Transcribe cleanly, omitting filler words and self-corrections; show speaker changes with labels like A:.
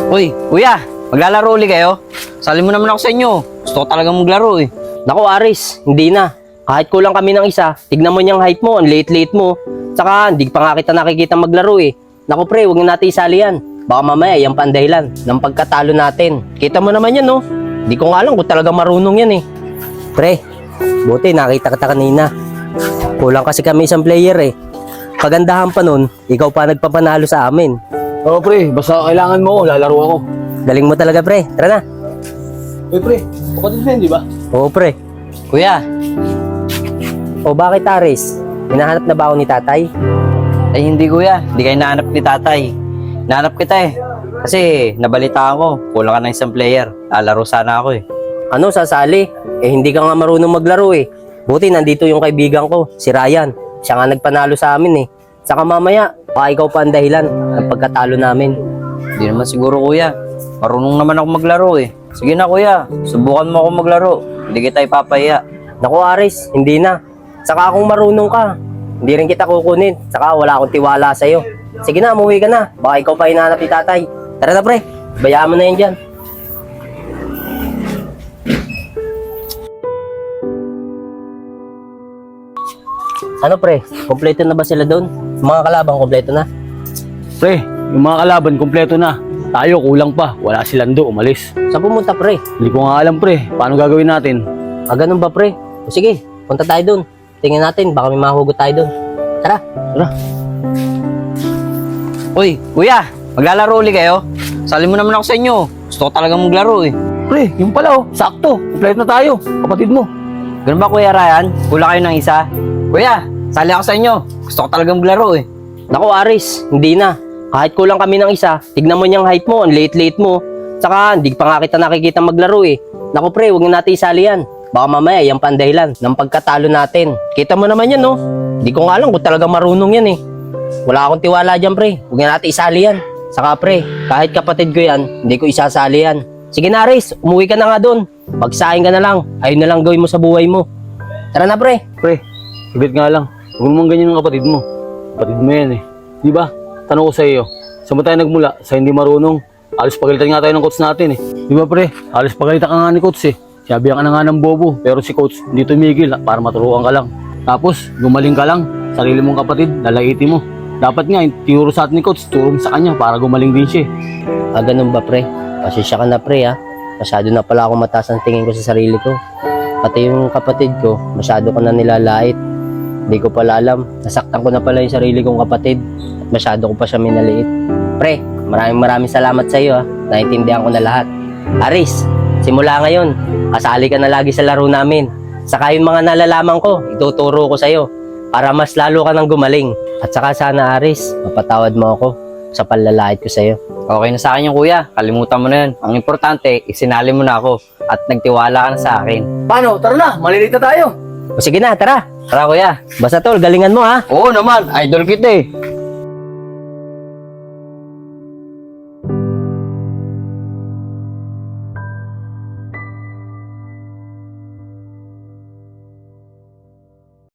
A: Uy, kuya, maglalaro ulit kayo? Sali mo naman ako sa inyo. Gusto ko talagang maglaro eh.
B: Naku Aris, hindi na. Kahit kulang kami ng isa, tignan mo niyang height mo, ang liit-liit mo. Tsaka hindi pa nga kita nakikita maglaro eh. Naku pre, huwag na natin isali yan. Baka mamaya yan pa ang dahilan ng pagkatalo natin. Kita mo naman yan no? Hindi ko nga alam kung talagang marunong yan eh. Pre, buti nakita kita kanina. Kulang kasi kami isang player eh. Kagandahan pa nun, ikaw pa nagpapanalo sa amin.
C: Oo pre, basta kailangan mo, lalaro ako.
B: Galing mo talaga pre, tara na.
C: Uy pre, kapatid mo yun, di ba?
B: Oo pre.
A: Kuya,
B: O bakit Aris? Hinahanap na ba ako ni tatay?
A: ay hindi kuya. Hindi kayo nahanap ni tatay. Nahanap kita eh. Kasi nabalita ko, kulang ka ng isang player. Lalaro sana ako eh.
B: Ano, sasali? Eh hindi ka nga marunong maglaro eh. Buti nandito yung kaibigan ko, si Ryan. Siya nga nagpanalo sa amin eh. Saka mamaya, baka ikaw pa ang dahilan ng pagkatalo namin.
A: Hindi naman siguro kuya. Marunong naman ako maglaro eh. Sige na kuya, subukan mo ako maglaro. Hindi kita ipapahiya.
B: Naku Aris, hindi na. Saka kung marunong ka, hindi rin kita kukunin. Saka wala akong tiwala sa'yo. Sige na, umuwi ka na. Baka ikaw pa hinahanap ni tatay. Tara na pre, bayaan mo na yan dyan. Ano pre, kompleto na ba sila doon? Mga kalabang kompleto na?
C: Pre, yung mga kalaban, kompleto na. Tayo, kulang pa. Wala si Lando, umalis.
B: Saan pumunta pre?
C: Hindi ko nga alam pre, paano gagawin natin?
B: Ganun ba pre? O sige, punta tayo doon. Tingnan natin, baka may mahugot tayo doon. Tara.
C: Tara.
A: Uy, kuya, maglalaro ulit kayo? Sali mo naman ako sa inyo. Gusto ko talagang maglaro eh.
C: Pre, yung pala oh, sakto. Kompleto na tayo, kapatid mo.
A: Ganun ba kuya Ryan? Kulang kayo ng isa? Kuya, sali ako sa inyo. Gusto ko talagang maglaro eh.
B: Naku Aris, hindi na. Kahit kulang kami ng isa, tignan mo niyang height mo, ang liit-liit mo. Saka hindi pa nga kita nakikita maglaro eh. Naku pre, huwag na natin isali yan. Baka mamaya yan pa ang dahilan ng pagkatalo natin. Kita mo naman yan no? Hindi ko nga alam kung talagang marunong yan eh. Wala akong tiwala dyan pre, huwag na natin isali yan. Saka pre, kahit kapatid ko yan, hindi ko isasali yan. Sige na Aris, umuwi ka na nga doon. Pagsahin ka na lang, ayun na lang gawin mo sa buhay mo. Tara na pre.
C: Pre, ibit nga lang. Huwag mo ganyan ng kapatid mo. Kapatid mo yan eh. Di ba? Tanong ko sa iyo, saan mo tayo nagmula? Sa hindi marunong? Alis pagalitan nga tayo ng coach natin eh. Di ba pre? Alis pagalitan ka nga ni coach eh. Sabihan ka na nga ng bobo, pero si coach hindi tumigil para maturuan ka lang. Tapos, gumaling ka lang. Sarili mong kapatid, lalaitin mo. Dapat nga, tinuro sa atin ni coach, turo mo sa kanya para gumaling din siya eh.
B: Ganun ba pre? Pasensya ka na pre ha. Masyado na pala ako mataas ang tingin ko sa sarili ko. Pati yung kapatid ko, masyado ko na nilalait. Hindi ko pala alam. Nasaktan ko na pala yung sarili kong kapatid. At masyado ko pa siya minaliit. Pre, maraming salamat sa iyo ha. Naintindihan ko na lahat. Aris, simula ngayon, kasali ka na lagi sa laro namin. Saka yung mga nalalaman ko, ituturo ko sa iyo para mas lalo ka nang gumaling. At saka sana Aris, mapatawad mo ako sa panlalait ko sa iyo.
A: Okay na sa akin yung kuya. Kalimutan mo na yan. Ang importante, isinali mo na ako. At nagtiwala ka na sa akin.
C: Paano? Tara na, malilita tayo.
B: O sige na, tara.
A: Tara kuya.
B: Basta tol, galingan mo ha.
A: Oo naman, idol kita eh.